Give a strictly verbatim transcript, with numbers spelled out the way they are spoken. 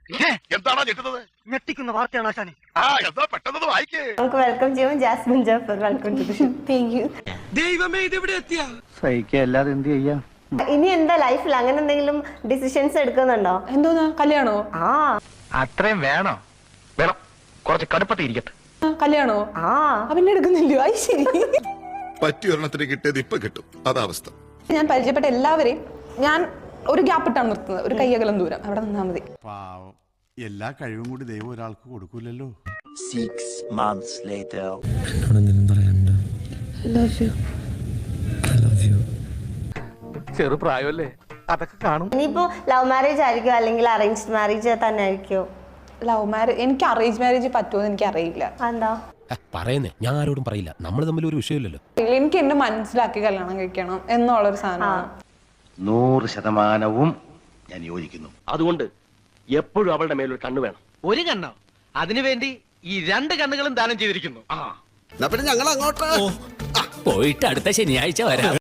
എന്താണോ ഞെട്ടുന്നത്? ഞെട്ടിക്കുന്ന വാർത്തയാണ് ആശാനെ. ആ എന്താ പെട്ടെന്ന് വായിക്കേ. നമുക്ക് വെൽക്കം ചെയ്യാം Jasmine Jafar. Welcome to the show. Thank you. ദൈവമേ ഇത് എവിടെ എത്തിയ? സഹിക്കുക അല്ലാതെ എന്ത് ചെയ്യാം. ഇനി എന്താ ലൈഫിൽ അങ്ങനെ എന്തെങ്കിലും ഡിസിഷൻസ് എടുക്കുന്നുണ്ടോ? എന്തോന്നാ കല്യാണോ? ആ അത്രയും വേണോ? വേണം, കുറച്ച് കടുപ്പത്തിൽ ഇരിക്കട്ടെ. കല്യാണോ? ആ അവന്റെ എടുക്കുന്നില്ലോ. അത് ശരി. പറ്റിയ ഒരെണ്ണത്തിന് കിട്ടിയത് ഇപ്പൊ കിട്ടും, അതാവസ്ഥ. ഞാൻ പരിചയപ്പെട്ട എല്ലാവരെയും ഞാൻ ഒരു ഗ്യാപ്പ് ഇട്ടാണ് നിർത്തുന്നത്. ഒരു കയ്യകലം ദൂരം അവിടെ നിന്നാ മതി. പാവം, എല്ലാ കഴിവും കൂടി ദൈവം ഒരാൾക്ക് കൊടുക്കൂലല്ലോ. Six months later. ചെറുപ്രായമല്ലേ, അതൊക്കെ കാണും. ഇനിയിപ്പോ ലവ് മാരേജ് ആയിരിക്കോ അല്ലെങ്കിൽ അറേഞ്ച്ഡ് മാരേജ് തന്നെ ആയിരിക്കോ? ലവ് മാരേജ് എനിക്ക് അറേഞ്ച് മാരേജ് പറ്റുമോ എന്ന് എനിക്ക് അറിയില്ല. എന്താ പറയുന്നേ? ഞാൻ ആരോടും പറയില്ല, നമ്മൾ തമ്മിൽ ഒരു വിഷയമില്ലല്ലോ. എനിക്ക് എന്നെ മനസ്സിലാക്കി കല്യാണം കഴിക്കണം എന്നുള്ളൊരു സാധനമാണ്. നൂറ് ശതമാനവും ഞാൻ യോജിക്കുന്നു. അതുകൊണ്ട് എപ്പോഴും അവളുടെ മേലൊരു കണ്ണു വേണം. ഒരു കണ്ണോ? അതിനുവേണ്ടി ഈ രണ്ട് കണ്ണുകളും ദാനം ചെയ്തിരിക്കുന്നു. പിന്നെ ഞങ്ങൾ അങ്ങോട്ട് പോയിട്ട് അടുത്ത ശനിയാഴ്ച വരാം.